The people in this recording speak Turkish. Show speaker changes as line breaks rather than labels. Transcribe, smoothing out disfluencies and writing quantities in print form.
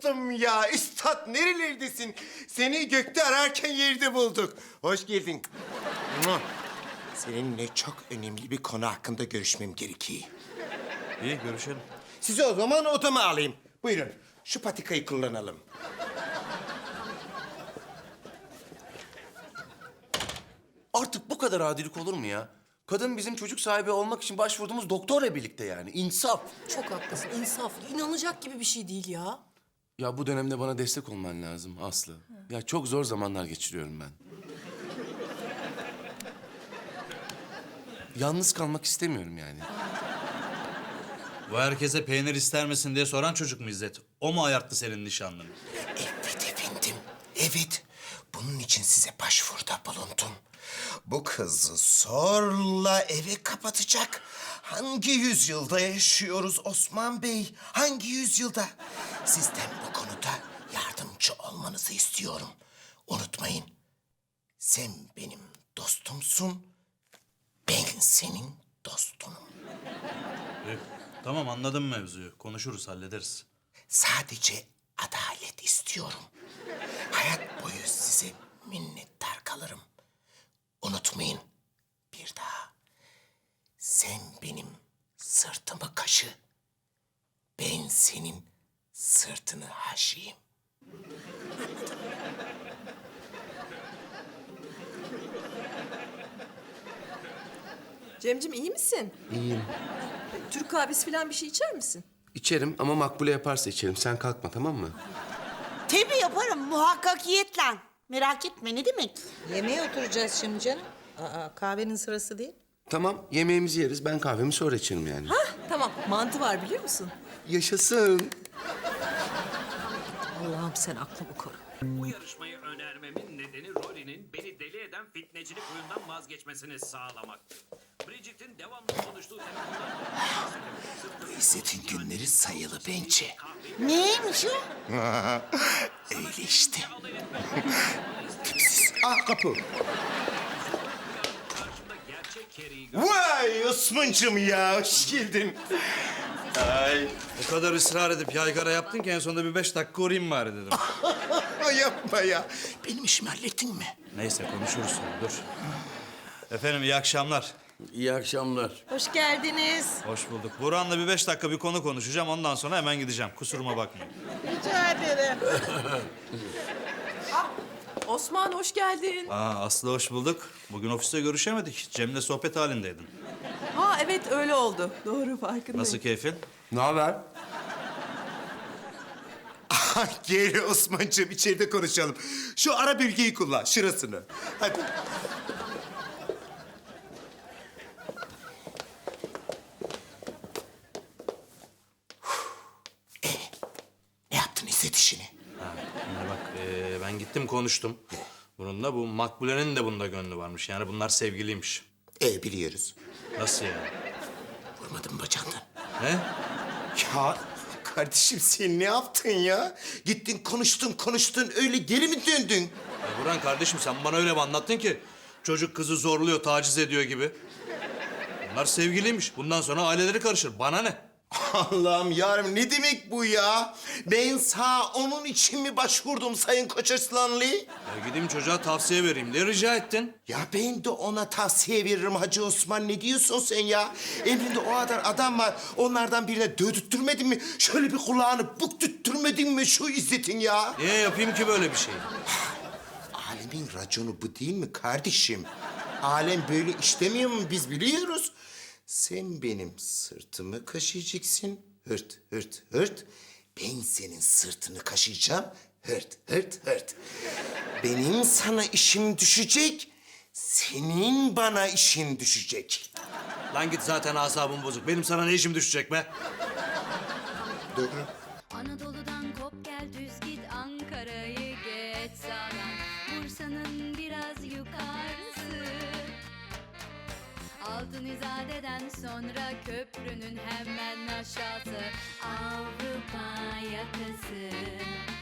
unuttum ya. Üstad nerelerdesin? Seni gökte ararken yerde bulduk. Hoş geldin. Mua. Seninle çok önemli bir konu hakkında görüşmem gerekiyor.
İyi, görüşelim.
Sizi o zaman odama alayım. Buyurun, şu patikayı kullanalım.
Artık bu kadar adilik olur mu ya? Kadın bizim çocuk sahibi olmak için başvurduğumuz doktorla birlikte yani. İnsaf.
Çok haklısın. İnsaflı. İnanılacak gibi bir şey değil ya.
Ya bu dönemde bana destek olman lazım Aslı. Ya çok zor zamanlar geçiriyorum ben. Yalnız kalmak istemiyorum yani.
Bu herkese peynir ister misin diye soran çocuk mu İzzet? O mu ayarttı senin nişanlını?
Evet efendim, evet. Bunun için size başvuruda bulundum. Bu kızı zorla eve kapatacak. Hangi yüzyılda yaşıyoruz Osman Bey? Hangi yüzyılda? Sizden bu konuda yardımcı olmanızı istiyorum. Unutmayın, sen benim dostumsun, ben senin dostunum.
İyi. Tamam, anladım mevzuyu. Konuşuruz, hallederiz.
Sadece adalet istiyorum. Hayat boyu size minnettar kalırım. Unutmayın bir daha. Sen benim sırtımı kaşı. Ben senin sırtını haşiyim.
Cemcim iyi misin?
İyiyim.
Türk kahvesi falan bir şey içer misin?
İçerim ama Makbule yaparsa içerim. Sen kalkma, tamam mı?
Tabii yaparım muhakkakiyetle. Merak etme ne demek?
Yemeğe oturacağız şimdi canım. Aa, kahvenin sırası değil.
Tamam, yemeğimizi yeriz. Ben kahvemi sonra içerim yani.
Hah tamam. Mantı var biliyor musun?
Yaşasın.
Allah'ım sen aklımı koru.
Bu yarışmayı önermemin nedeni Rory'nin beni deli eden fitnecilik huyundan vazgeçmesini sağlamaktı. Bridget'in devamlı konuştuğu telefonlar...
İzzet'in günleri sayılı bence.
Neymiş o?
Öyle işte. Tipsiz. Ah kapı.
Karşımda gerçek Carrie'yi
Vay Osman'cığım ya, hoş geldin. Ay.
O kadar ısrar edip yaygara yaptın ki en sonunda bir 5 dakika uğrayayım bari dedim.
Yapma ya. Benim işimi hallettin mi?
Neyse, konuşuruz sonra, dur. Efendim, iyi akşamlar.
İyi akşamlar.
Hoş geldiniz.
Hoş bulduk. Burhan'la bir 5 dakika bir konu konuşacağım. Ondan sonra hemen gideceğim. Kusuruma bakmayın.
Rica ederim.
Osman hoş geldin.
Aslı hoş bulduk. Bugün ofiste görüşemedik. Cem'le sohbet halindeydin.
Ha evet öyle oldu. Doğru farkındayım.
Nasıl keyfin?
Ne haber?
Gel Osman'cığım, içeride konuşalım. Şu ara bölgeyi kullan, şurasını. Hadi. Ne yaptın İzzet işini?
Şimdi bak, ben gittim konuştum. Bununla bu Makbule'nin de bunda gönlü varmış. Yani bunlar sevgiliymiş.
Biliyoruz.
Nasıl yani?
Vurmadın bacağından.
Ne?
Ya kardeşim sen ne yaptın ya? Gittin konuştun öyle geri mi döndün?
Ya Burhan kardeşim, sen bana öyle mi anlattın ki? Çocuk kızı zorluyor, taciz ediyor gibi. Bunlar sevgiliymiş. Bundan sonra aileleri karışır. Bana ne?
Allah'ım yarabbim ne demek bu ya? Ben sağ onun için mi başvurdum Sayın Koçarslanlı?
Ya gideyim çocuğa tavsiye vereyim diye rica ettin.
Ya ben de ona tavsiye veririm Hacı Osman. Ne diyorsun sen ya? Emrinde o kadar adam var. Onlardan birine dövdürtmedin mi? Şöyle bir kulağını büktürtmedin mi şu İzzet'in ya?
Niye yapayım ki böyle bir şey?
Alemin raconu bu değil mi kardeşim? Alem böyle işlemiyor mu biz biliyoruz. Sen benim sırtımı kaşıyacaksın. Hırt hırt hırt. Ben senin sırtını kaşıyacağım. Hırt hırt hırt. Benim sana işim düşecek. Senin bana işin düşecek.
Lan git, zaten asabım bozuk. Benim sana ne işim düşecek be?
Doğru.
Anadolu'dan kop gel düz git Ankara'yı geç sağdan Bursa'nın biraz yukarısı Altın İzade'den sonra köprünün hemen aşağısı Avrupa yakası